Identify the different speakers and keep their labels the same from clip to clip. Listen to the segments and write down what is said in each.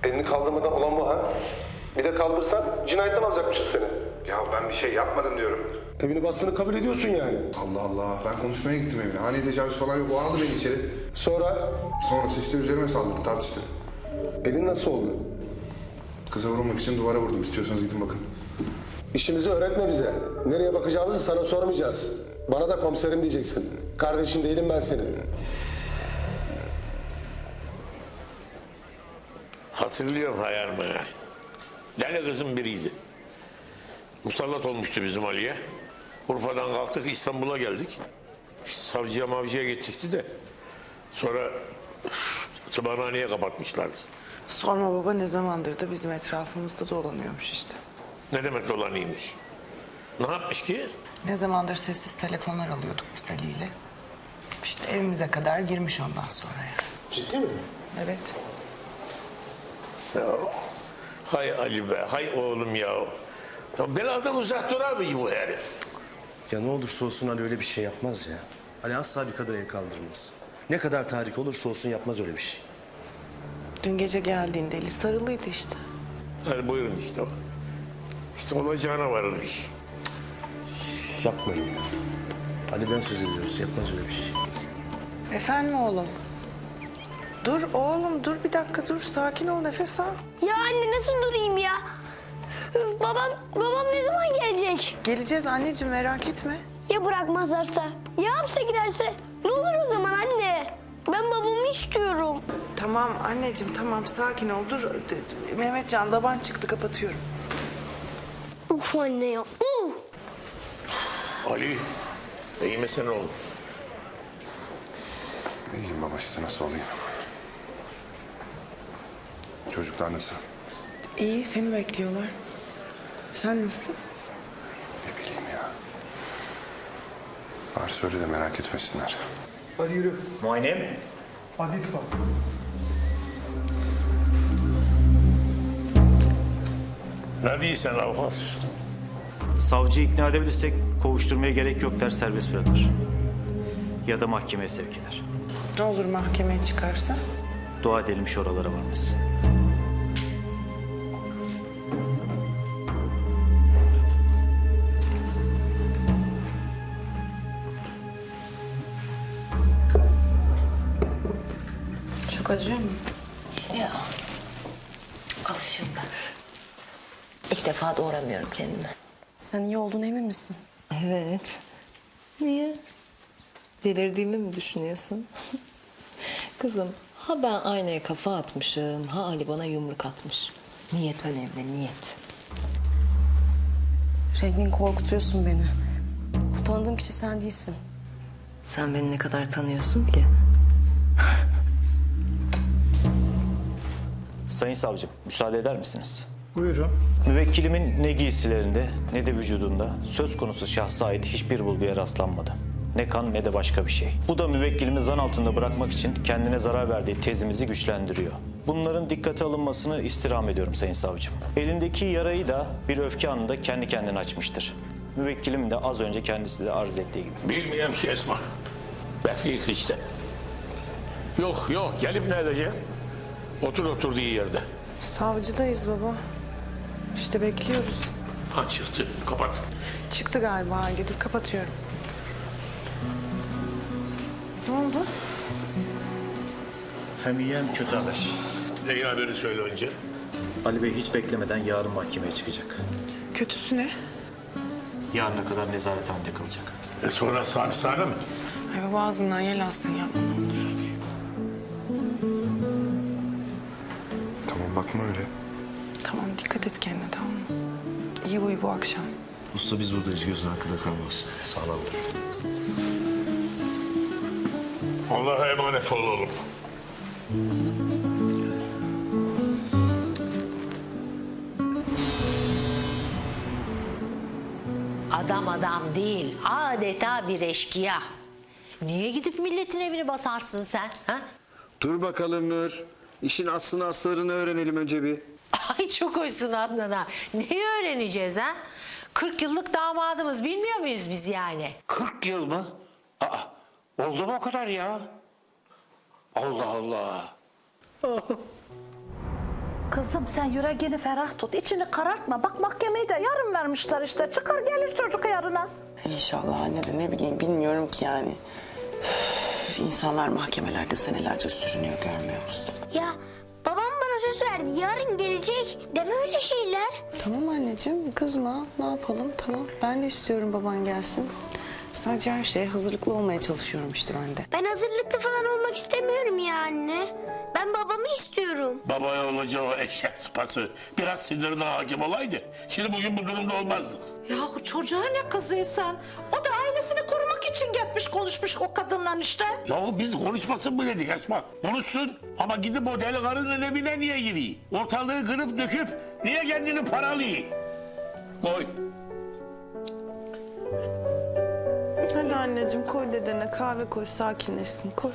Speaker 1: Elini kaldırmadan olan bu ha? Bir de kaldırsan cinayetten alacakmışız seni.
Speaker 2: Ya ben bir şey yapmadım diyorum.
Speaker 1: Evini bastığını kabul ediyorsun yani.
Speaker 2: Allah Allah. Ben konuşmaya gittim evine. Hani tecavüz falan yok. O aldı beni içeri.
Speaker 1: Sonra
Speaker 2: Sonrası işte üzerime saldırdı. Tartıştık.
Speaker 1: elin nasıl oldu?
Speaker 2: Kıza vurulmak için duvara vurdum. İstiyorsanız gidin bakın.
Speaker 1: İşimizi öğretme bize. Nereye bakacağımızı sana sormayacağız. Bana da komiserim diyeceksin. Kardeşin değilim ben senin.
Speaker 3: Hatırlıyorum hayal meyal. Deli kızın biriydi. Musallat olmuştu bizim Ali'ye. Urfa'dan kalktık İstanbul'a geldik. Savcıya mavcıya gittikti de. Sonra tımarhaneye kapatmışlardı.
Speaker 4: Sorma baba, ne zamandır da bizim etrafımızda dolanıyormuş işte.
Speaker 3: Ne demek dolanıymış? Ne yapmış ki?
Speaker 4: Ne zamandır sessiz telefonlar alıyorduk biz Ali ile. İşte evimize kadar girmiş ondan sonra yani.
Speaker 1: Ciddi mi?
Speaker 4: Evet.
Speaker 3: Ya, hay Ali be, hay oğlum ya. Ya beladan uzak dur abi bu herif.
Speaker 5: Ya ne olursa olsun Ali öyle bir şey yapmaz ya. Ali asla bir kadına el kaldırmaz. Ne kadar tahrik olursa olsun yapmaz öyle bir şey.
Speaker 4: Dün gece geldiğinde eli sarılıydı işte.
Speaker 3: Hadi buyurun işte o. İşte olacağına varır iş.
Speaker 5: Yapmayın ya. Ali'den söz ediyoruz. Yapmaz öyle bir şey.
Speaker 4: Efendim oğlum? Dur oğlum, dur bir dakika, dur. Sakin ol, nefes al.
Speaker 6: Ya anne nasıl durayım ya? Babam ne zaman gelecek?
Speaker 4: Geleceğiz anneciğim, merak etme.
Speaker 6: Ya bırakmazlarsa? Ya hapse giderse? Ne olur o zaman anne? Ben babamı istiyorum.
Speaker 4: Tamam anneciğim, tamam, sakin ol. Dur, Mehmetcan, baban çıktı, kapatıyorum.
Speaker 6: Uf anne ya. Uf.
Speaker 3: Ali, iyi misin oğlum?
Speaker 2: İyiyim baba işte nasıl olayım? Çocuklar nasıl?
Speaker 4: İyi, seni bekliyorlar. Sen nasılsın?
Speaker 2: Ne bileyim ya. Bari söyle de merak etmesinler.
Speaker 1: Hadi yürü.
Speaker 7: Muayene mi?
Speaker 1: Hadi itfak.
Speaker 3: Ne diyorsun avukat?
Speaker 7: Savcıyı ikna edebilirsek kovuşturmaya gerek yok der, serbest bırakır. Ya da mahkemeye sevk eder.
Speaker 4: Ne olur mahkemeye çıkarsa?
Speaker 7: Dua edelim şu oralara varmasın.
Speaker 4: Çok acıyor mu?
Speaker 8: Ya alışım ben. İlk defa doğramıyorum kendimi.
Speaker 9: Sen iyi olduğuna emin misin?
Speaker 8: Evet. Niye? Delirdiğimi mi düşünüyorsun? Kızım, ha ben aynaya kafa atmışım, ha Ali bana yumruk atmış. Niyet önemli, niyet.
Speaker 9: Rengin, korkutuyorsun beni. Bu tanıdığım kişi sen değilsin.
Speaker 8: Sen beni ne kadar tanıyorsun ki?
Speaker 7: Sayın savcım, müsaade eder misiniz?
Speaker 1: Buyurun.
Speaker 7: Müvekkilimin ne giysilerinde ne de vücudunda söz konusu şahsa ait hiçbir bulguya rastlanmadı. Ne kan ne de başka bir şey. Bu da müvekkilimi zan altında bırakmak için kendine zarar verdiği tezimizi güçlendiriyor. Bunların dikkate alınmasını istirham ediyorum Sayın Savcım. Elindeki yarayı da bir öfke anında kendi kendine açmıştır. Müvekkilim de az önce kendisi de arz ettiği gibi.
Speaker 3: Bilmiyorum ki Esma. Bekliyor işte. Yok gelip ne edeceksin? Otur oturduğu yerde.
Speaker 4: Savcıdayız baba. İşte bekliyoruz.
Speaker 3: Ha çıktı. Kapat.
Speaker 4: Çıktı galiba Hangi. Dur, kapatıyorum. Ne oldu?
Speaker 7: Hem iyi hem kötü haber.
Speaker 3: İyi haberi söyle önce.
Speaker 7: Ali Bey hiç beklemeden yarın mahkemeye çıkacak.
Speaker 4: Kötüsü ne?
Speaker 7: Yarına kadar nezarethanede kalacak.
Speaker 3: Sonra hapishane mi?
Speaker 4: Ay baba, ağzından yel alsın, yapma ne olur.
Speaker 2: Tamam bakma öyle.
Speaker 4: Tamam, dikkat et kendine, tamam mı? İyi uyu bu akşam.
Speaker 5: Usta biz buradayız. Gözün arkada kalmasın. Sağlam dur.
Speaker 3: Allah'a emanet ol oğlum.
Speaker 10: Adam değil, adeta bir eşkıya. Niye gidip milletin evini basarsın sen? Ha?
Speaker 11: Dur bakalım Nur. İşin aslını aslarını öğrenelim önce bir.
Speaker 10: Ay çok hoşsun Adnan ha. Neyi öğreneceğiz ha? 40 yıllık damadımız, bilmiyor muyuz biz yani?
Speaker 12: 40 yıl mı? Aa, oldu mu o kadar ya? Allah Allah.
Speaker 10: Kız Kızım sen yüreğini ferah tut, içini karartma. Bak mahkemeyi de yarın vermişler işte. Çıkar gelir çocuk yarına.
Speaker 4: İnşallah anne de ne bileyim bilmiyorum ki yani. Üf, İnsanlar mahkemelerde senelerce sürünüyor görmüyor musun?
Speaker 6: Ya babam bana söz verdi. Yarın gelecek. Deme öyle şeyler.
Speaker 4: Tamam anneciğim kızma ne yapalım tamam. Ben de istiyorum baban gelsin. Sadece her şeye hazırlıklı olmaya çalışıyorum işte ben de.
Speaker 6: Ben hazırlıklı falan olmak istemiyorum ya anne. Ben babamı istiyorum.
Speaker 3: Babaya olacağı o eşek sıpası biraz sinirine hakim olaydı. Şimdi bugün bu durumda olmazdık.
Speaker 10: Yahu çocuğa ne kızıysan? O da ailesini korumak için gitmiş konuşmuş o kadınla işte.
Speaker 3: Yahu biz konuşmasın mı dedik Esma? Konuşsun ama gidip o deli karının evine niye giriyor? Ortalığı kırıp döküp niye kendini paralıyor? Koy.
Speaker 4: Hadi anneciğim koy dedene kahve koy sakinleşsin koy.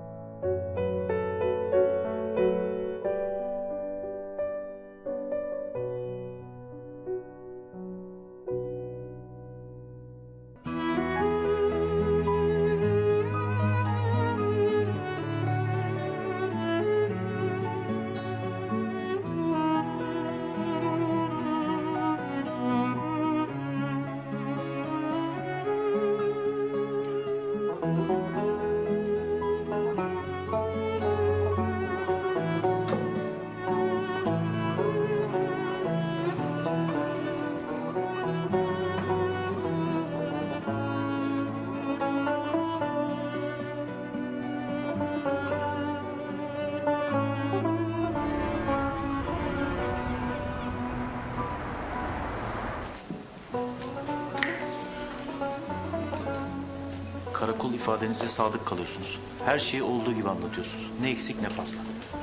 Speaker 7: Karakol ifadenize sadık kalıyorsunuz. Her şeyi olduğu gibi anlatıyorsunuz. Ne eksik ne fazla.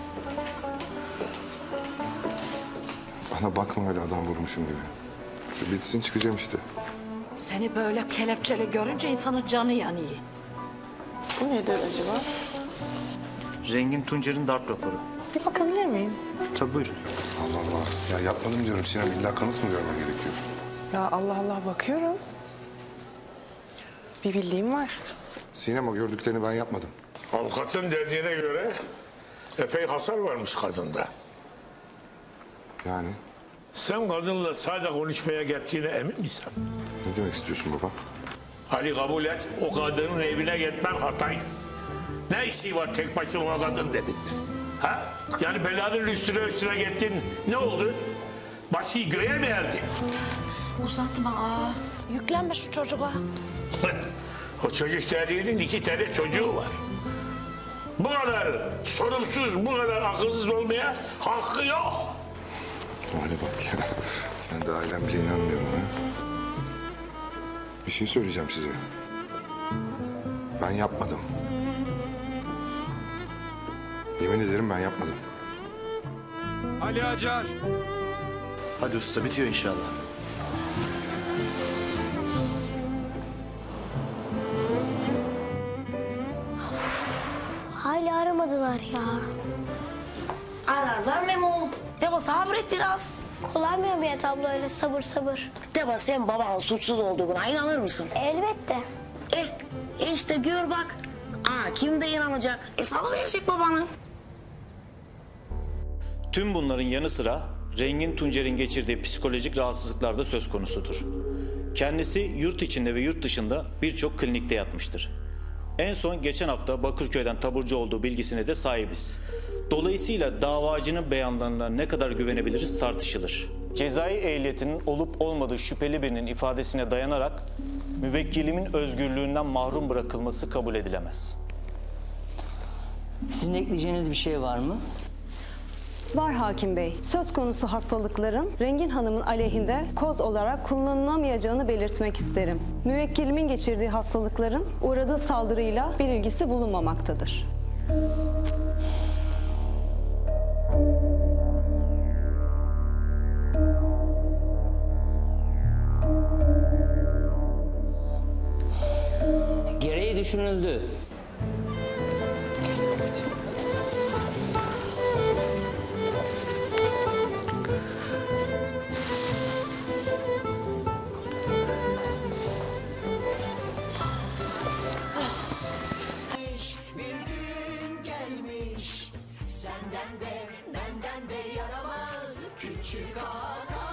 Speaker 2: Ana bakma öyle adam vurmuşum gibi. Şu bitsin çıkacağım işte.
Speaker 10: Seni böyle kelepçeli görünce insanın canı yanıyor.
Speaker 4: Bu nedir acaba?
Speaker 7: Rengin Tuncer'in darp raporu.
Speaker 4: Bir bakabilir miyim?
Speaker 7: Tabii buyurun.
Speaker 2: Allah Allah. Ya yapmadım diyorum Sinem. İlla kanıt mı görmen gerekiyor?
Speaker 4: Ya Allah Allah bakıyorum. Bir bildiğim var.
Speaker 2: Sinem o gördüklerini ben yapmadım.
Speaker 3: Avukatın dediğine göre epey hasar varmış kadında.
Speaker 2: Yani
Speaker 3: Sen kadınla sadece konuşmaya gittiğine emin misin?
Speaker 2: ne demek istiyorsun baba?
Speaker 3: Ali kabul et, o kadının evine gitmen hataydı. Ne işi var tek başına o kadın dedin? Ha? Yani belanın üstüne gittin, ne oldu? Başı göğe mi erdi?
Speaker 10: Uzatma. Yüklenme şu çocuğa.
Speaker 3: O çocuk dediğinin 2 tane çocuğu var. Bu kadar sorumsuz, bu kadar akılsız olmaya hakkı yok.
Speaker 2: Hale bak ya. Ben de ailem bile inanmıyor bana. Bir şey söyleyeceğim size. Ben yapmadım. Yemin ederim ben yapmadım.
Speaker 11: Ali Acar.
Speaker 5: Hadi usta bitiyor inşallah.
Speaker 6: Hala aramadılar ya.
Speaker 13: Ararlar Memo. Deva sabret biraz.
Speaker 6: Kolay mı bir abla öyle sabır sabır?
Speaker 13: Deva sen babanın suçsuz olduğuna inanır mısın?
Speaker 6: Elbette.
Speaker 13: İşte gör bak. Kim de inanacak? Salıverecek babanı.
Speaker 7: Tüm bunların yanı sıra Rengin Tuncer'in geçirdiği psikolojik rahatsızlıklar da söz konusudur. Kendisi yurt içinde ve yurt dışında birçok klinikte yatmıştır. En son geçen hafta Bakırköy'den taburcu olduğu bilgisine de sahibiz. Dolayısıyla davacının beyanlarına ne kadar güvenebiliriz tartışılır. Cezai ehliyetinin olup olmadığı şüpheli birinin ifadesine dayanarak müvekkilimin özgürlüğünden mahrum bırakılması kabul edilemez.
Speaker 13: Sizin ekleyeceğiniz bir şey var mı?
Speaker 9: Var hakim bey. Söz konusu hastalıkların Rengin Hanım'ın aleyhinde koz olarak kullanılamayacağını belirtmek isterim. Müvekkilimin geçirdiği hastalıkların uğradığı saldırıyla bir ilgisi bulunmamaktadır.
Speaker 13: Gereği düşünüldü.
Speaker 10: Bir gün gelmiş senden de benden de yaramaz.
Speaker 14: Küçük ağa